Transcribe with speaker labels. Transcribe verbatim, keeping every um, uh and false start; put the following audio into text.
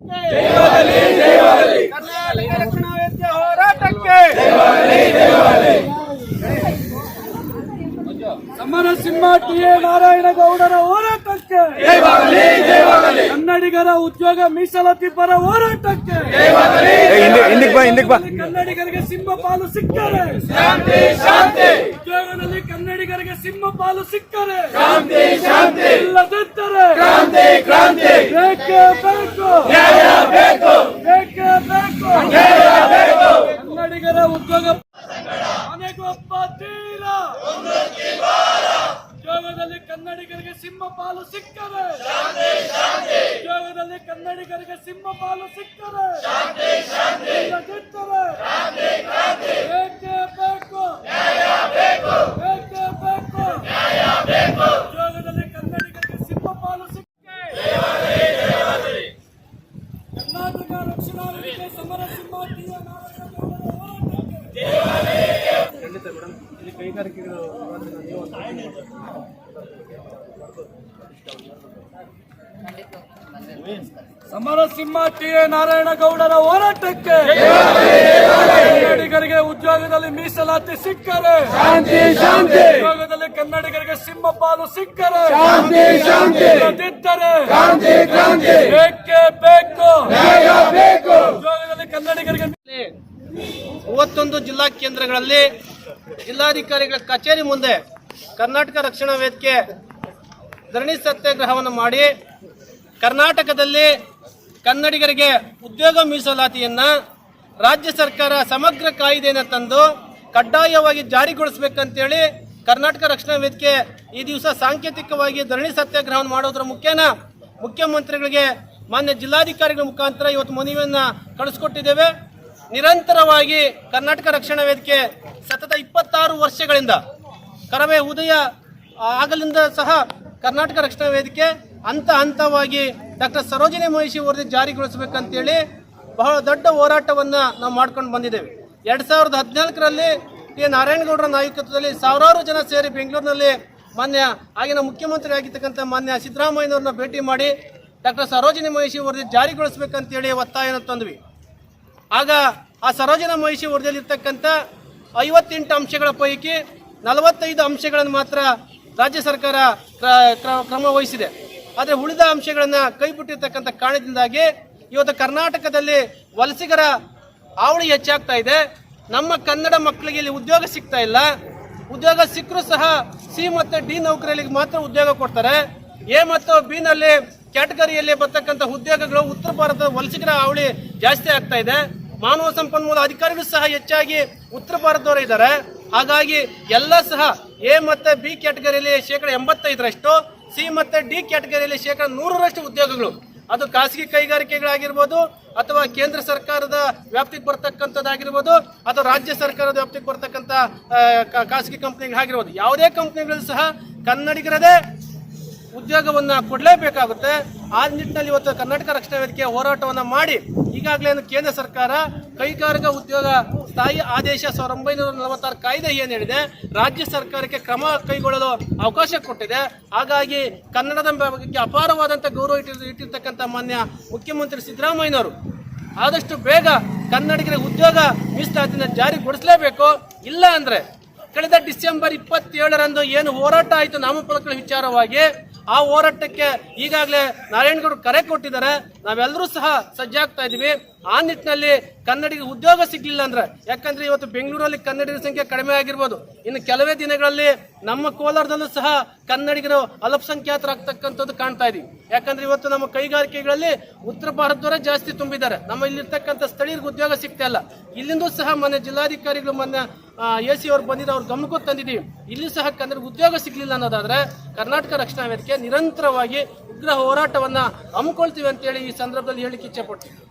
Speaker 1: ಕರ್ನಾಟಕ ರಕ್ಷಣಾ ವೇದಿಕೆ ಹೋರಾಟಕ್ಕೆ ಸಮರ ಸಿಂಹ ಟಿ ಎ ನಾರಾಯಣಗೌಡರ ಹೋರಾಟಕ್ಕೆ ಕನ್ನಡಿಗರ ಉದ್ಯೋಗ ಮೀಸಲಾತಿ ಪರ ಹೋರಾಟಕ್ಕೆ ಕನ್ನಡಿಗರಿಗೆ ಸಿಂಹ ಪಾಲು ಸಿಕ್ಕರೆ ಉದ್ಯೋಗದಲ್ಲಿ ಕನ್ನಡಿಗರಿಗೆ ಸಿಂಹ ಪಾಲು ಸಿಕ್ಕರೆ ಇಲ್ಲದಿದ್ದರೆ ಬೇಕೇ ಬೇಕು ಬೇಕೇ ಬೇಕು ಕನ್ನಡಿಗರ ಉದ್ಯೋಗ ಮನೆಗೊಬ್ಬ ತೀರ ಉದ್ಯೋಗದಲ್ಲಿ ಕನ್ನಡಿಗರಿಗೆ ಸಿಂಹ ಪಾಲು ಸಿಕ್ಕರೆ ಉದ್ಯೋಗದಲ್ಲಿ ಕನ್ನಡಿಗರಿಗೆ ಸಿಂಹ ಪಾಲು ಸಿಕ್ಕರೆ ಇಲ್ಲದಿದ್ದರೆ ಬೇಕೇ ಬೇಕು ಬೇಕೇ ಬೇಕು ಉದ್ಯೋಗದಲ್ಲಿ ಕನ್ನಡಿಗರಿಗೆ ಸಿಂಹ ಪಾಲು ಸಿಕ್ಕರೆ ಕರ್ನಾಟಕ ರಕ್ಷಣಾ ವೇದಿಕೆ ಸಮರ ಸಿಂಹ ಟಿ ಎ ನಾರಾಯಣಗೌಡರ ಹೋರಾಟಕ್ಕೆ ಖಂಡಿತ ಮೇಡಮ್ ಇಲ್ಲಿ ಕೈಗಾರಿಕೆಗಳು ಸಮರ ಸಿಂಹ ಟಿ ಎ ನಾರಾಯಣಗೌಡರ ಹೋರಾಟಕ್ಕೆ ಕನ್ನಡಿಗರಿಗೆ ಉದ್ಯೋಗದಲ್ಲಿ ಮೀಸಲಾತಿ ಸಿಕ್ಕರೆ ಉದ್ಯೋಗದಲ್ಲಿ ಕನ್ನಡಿಗರಿಗೆ ಸಿಂಹ ಪಾಲು ಸಿಕ್ಕರೆ ಇಲ್ಲದಿದ್ದರೆ ಬೇಕೇ ಬೇಕು ಉದ್ಯೋಗದಲ್ಲಿ ಕನ್ನಡಿಗರಿಗೆ
Speaker 2: ಮೂವತ್ತೊಂದು ಜಿಲ್ಲಾ ಕೇಂದ್ರಗಳಲ್ಲಿ ಜಿಲ್ಲಾಧಿಕಾರಿಗಳ ಕಚೇರಿ ಮುಂದೆ ಕರ್ನಾಟಕ ರಕ್ಷಣಾ ವೇದಿಕೆ ಧರಣಿ ಸತ್ಯಾಗ್ರಹವನ್ನು ಮಾಡಿ ಕರ್ನಾಟಕದಲ್ಲಿ ಕನ್ನಡಿಗರಿಗೆ ಉದ್ಯೋಗ ಮೀಸಲಾತಿಯನ್ನ ರಾಜ್ಯ ಸರ್ಕಾರ ಸಮಗ್ರ ಕಾಯ್ದೆಯನ್ನು ತಂದು ಕಡ್ಡಾಯವಾಗಿ ಜಾರಿಗೊಳಿಸಬೇಕಂತೇಳಿ ಕರ್ನಾಟಕ ರಕ್ಷಣಾ ವೇದಿಕೆ ಈ ದಿವಸ ಸಾಂಕೇತಿಕವಾಗಿ ಧರಣಿ ಸತ್ಯಾಗ್ರಹವನ್ನು ಮಾಡೋದ್ರ ಮುಖೇನ ಮುಖ್ಯಮಂತ್ರಿಗಳಿಗೆ ಮಾನ್ಯ ಜಿಲ್ಲಾಧಿಕಾರಿಗಳ ಮುಖಾಂತರ ಇವತ್ತು ಮನವಿಯನ್ನ ಕಳಿಸ್ಕೊಟ್ಟಿದ್ದೇವೆ. ನಿರಂತರವಾಗಿ ಕರ್ನಾಟಕ ರಕ್ಷಣಾ ವೇದಿಕೆ ಸತತ ಇಪ್ಪತ್ತಾರು ವರ್ಷಗಳಿಂದ ಕರವೇ ಉದಯ ಆಗಲಿಂದ ಸಹ ಕರ್ನಾಟಕ ರಕ್ಷಣಾ ವೇದಿಕೆ ಹಂತ ಹಂತವಾಗಿ ಡಾಕ್ಟರ್ ಸರೋಜಿನಿ ಮಹಿಷಿ ವರದಿ ಜಾರಿಗೊಳಿಸಬೇಕಂತೇಳಿ ಬಹಳ ದೊಡ್ಡ ಹೋರಾಟವನ್ನು ನಾವು ಮಾಡ್ಕೊಂಡು ಬಂದಿದ್ದೇವೆ. ಎರಡು ಸಾವಿರದ ಹದಿನಾಲ್ಕರಲ್ಲಿ ಟಿ ಎ ನಾರಾಯಣಗೌಡರ ನಾಯಕತ್ವದಲ್ಲಿ ಸಾವಿರಾರು ಜನ ಸೇರಿ ಬೆಂಗಳೂರಿನಲ್ಲಿ ಮಾನ್ಯ ಆಗಿನ ಮುಖ್ಯಮಂತ್ರಿ ಆಗಿರ್ತಕ್ಕಂಥ ಮಾನ್ಯ ಸಿದ್ದರಾಮಯ್ಯನವ್ರನ್ನ ಭೇಟಿ ಮಾಡಿ ಡಾಕ್ಟರ್ ಸರೋಜಿನಿ ಮಹಿಷಿ ವರದಿ ಜಾರಿಗೊಳಿಸಬೇಕಂತೇಳಿ ಒತ್ತಾಯನ ತಂದ್ವಿ. ಆಗ ಆ ಸರೋಜಿನಿ ಮಹಿಷಿ ವರದಿಯಲ್ಲಿ ಇರ್ತಕ್ಕಂಥ ಐವತ್ತೆಂಟು ಅಂಶಗಳ ಪೈಕಿ ನಲವತ್ತೈದು ಅಂಶಗಳನ್ನು ಮಾತ್ರ ರಾಜ್ಯ ಸರ್ಕಾರ ಕ್ರಮ ವಹಿಸಿದೆ. ಆದರೆ ಉಳಿದ ಅಂಶಗಳನ್ನು ಕೈಬಿಟ್ಟಿರ್ತಕ್ಕಂಥ ಕಾರಣದಿಂದಾಗಿ ಇವತ್ತು ಕರ್ನಾಟಕದಲ್ಲಿ ವಲಸಿಗರ ಹಾವಳಿ ಹೆಚ್ಚಾಗ್ತಾ ಇದೆ. ನಮ್ಮ ಕನ್ನಡ ಮಕ್ಕಳಿಗೆ ಇಲ್ಲಿ ಉದ್ಯೋಗ ಸಿಗ್ತಾ ಇಲ್ಲ. ಉದ್ಯೋಗ ಸಿಕ್ಕರೂ ಸಹ ಸಿ ಮತ್ತು ಡಿ ನೌಕರರಿಗೆ ಮಾತ್ರ ಉದ್ಯೋಗ ಕೊಡ್ತಾರೆ. ಎ ಮತ್ತು ಬಿ ನಲ್ಲಿ ಕ್ಯಾಟಗರಿಯಲ್ಲಿ ಬರ್ತಕ್ಕಂಥ ಉದ್ಯೋಗಗಳು ಉತ್ತರ ಭಾರತದ ವಲಸಿಗರ ಹಾವಳಿ ಜಾಸ್ತಿ ಆಗ್ತಾ ಇದೆ. ಮಾನವ ಸಂಪನ್ಮೂಲ ಅಧಿಕಾರಿಗಳು ಸಹ ಹೆಚ್ಚಾಗಿ ಉತ್ತರ ಭಾರತದವರು ಇದ್ದಾರೆ. ಹಾಗಾಗಿ ಎಲ್ಲ ಸಹ ಎ ಮತ್ತು ಬಿ ಕ್ಯಾಟಗರಿಯಲ್ಲಿ ಶೇಕಡ ಎಂಬತ್ತೈದರಷ್ಟು, ಸಿ ಮತ್ತು ಡಿ ಕ್ಯಾಟಗರಿಯಲ್ಲಿ ಶೇಕಡ ನೂರರಷ್ಟು ಉದ್ಯೋಗಗಳು ಅದು ಖಾಸಗಿ ಕೈಗಾರಿಕೆಗಳಾಗಿರ್ಬೋದು ಅಥವಾ ಕೇಂದ್ರ ಸರ್ಕಾರದ ವ್ಯಾಪ್ತಿಗೆ ಬರ್ತಕ್ಕಂಥದ್ದಾಗಿರ್ಬೋದು ಅಥವಾ ರಾಜ್ಯ ಸರ್ಕಾರದ ವ್ಯಾಪ್ತಿಗೆ ಬರ್ತಕ್ಕಂಥ ಖಾಸಗಿ ಕಂಪ್ನಿಗಳಾಗಿರ್ಬೋದು, ಯಾವುದೇ ಕಂಪ್ನಿಗಳು ಸಹ ಕನ್ನಡಿಗರದೇ ಉದ್ಯೋಗವನ್ನ ಕೊಡಲೇಬೇಕಾಗುತ್ತೆ. ಆ ನಿಟ್ಟಿನಲ್ಲಿ ಇವತ್ತು ಕರ್ನಾಟಕ ರಕ್ಷಣಾ ವೇದಿಕೆ ಹೋರಾಟವನ್ನ ಮಾಡಿ ಈಗಾಗಲೇ ಕೇಂದ್ರ ಸರ್ಕಾರ ಕೈಗಾರಿಕಾ ಉದ್ಯೋಗ ಸ್ಥಾಯಿ ಆದೇಶ ಸಾವಿರದ ಒಂಬೈನೂರ ನಲವತ್ತಾರು ಕಾಯ್ದೆ ಏನು ಹೇಳಿದೆ ರಾಜ್ಯ ಸರ್ಕಾರಕ್ಕೆ ಕ್ರಮ ಕೈಗೊಳ್ಳಲು ಅವಕಾಶ ಕೊಟ್ಟಿದೆ. ಹಾಗಾಗಿ ಕನ್ನಡದ ಬಗ್ಗೆ ಅಪಾರವಾದಂಥ ಗೌರವ ಇಟ್ಟಿರ್ ಇಟ್ಟಿರ್ತಕ್ಕಂಥ ಮಾನ್ಯ ಮುಖ್ಯಮಂತ್ರಿ ಸಿದ್ದರಾಮಯ್ಯನವರು ಆದಷ್ಟು ಬೇಗ ಕನ್ನಡಿಗರಿಗೆ ಉದ್ಯೋಗ ಮೀಸಲಾತಿನ ಜಾರಿಗೊಳಿಸಲೇಬೇಕು. ಇಲ್ಲ ಅಂದ್ರೆ ಕಳೆದ ಡಿಸೆಂಬರ್ ಇಪ್ಪತ್ತೇಳರಂದು ಏನು ಹೋರಾಟ ಆಯಿತು ನಾಮಫಲಕಗಳ ವಿಚಾರವಾಗಿ, ಆ ಹೋರಾಟಕ್ಕೆ ಈಗಾಗಲೇ ನಾರಾಯಣಗೌಡರು ಕರೆ ಕೊಟ್ಟಿದ್ದಾರೆ. ನಾವೆಲ್ಲರೂ ಸಹ ಸಜ್ಜಾಗ್ತಾ ಇದೀವಿ. ಆ ನಿಟ್ಟಿನಲ್ಲಿ ಕನ್ನಡಿಗ ಉದ್ಯೋಗ ಸಿಗ್ಲಿಲ್ಲ ಅಂದ್ರೆ, ಯಾಕಂದ್ರೆ ಇವತ್ತು ಬೆಂಗಳೂರಲ್ಲಿ ಕನ್ನಡಿಗರ ಸಂಖ್ಯೆ ಕಡಿಮೆ ಆಗಿರ್ಬೋದು, ಇನ್ನು ಕೆಲವೇ ದಿನಗಳಲ್ಲಿ ನಮ್ಮ ಕೋಲಾರದಲ್ಲೂ ಸಹ ಕನ್ನಡಿಗರು ಅಲ್ಪಸಂಖ್ಯಾತರಾಗ್ತಕ್ಕಂಥದ್ದು ಕಾಣ್ತಾ ಇದೀವಿ. ಯಾಕಂದ್ರೆ ಇವತ್ತು ನಮ್ಮ ಕೈಗಾರಿಕೆಗಳಲ್ಲಿ ಉತ್ತರ ಭಾರತದವರೇ ಜಾಸ್ತಿ ತುಂಬಿದ್ದಾರೆ. ನಮ್ಮ ಇಲ್ಲಿರ್ತಕ್ಕಂಥ ಸ್ಥಳೀಯರಿಗೆ ಉದ್ಯೋಗ ಸಿಗ್ತಾ ಇಲ್ಲ. ಇಲ್ಲಿಂದೂ ಸಹ ಮೊನ್ನೆ ಜಿಲ್ಲಾಧಿಕಾರಿಗಳು ಮೊನ್ನೆ ಎ ಸಿ ಅವ್ರು ಬಂದಿದ್ದು ಅವ್ರ ಗಮನಕ್ಕೂ ತಂದಿದ್ದೀವಿ. ಇಲ್ಲಿ ಸಹ ಕನ್ನಡ ಉದ್ಯೋಗ ಸಿಗ್ಲಿಲ್ಲ ಅನ್ನೋದಾದ್ರೆ ಕರ್ನಾಟಕ ರಕ್ಷಣಾ ವೇದಿಕೆ ನಿರಂತರವಾಗಿ ಉಗ್ರ ಹೋರಾಟವನ್ನ ಹಮ್ಮಿಕೊಳ್ತೀವಿ ಅಂತೇಳಿ ಈ ಸಂದರ್ಭದಲ್ಲಿ ಹೇಳಿಕ್ಕೆ ಇಚ್ಛೆ ಪಡ್ತೀವಿ.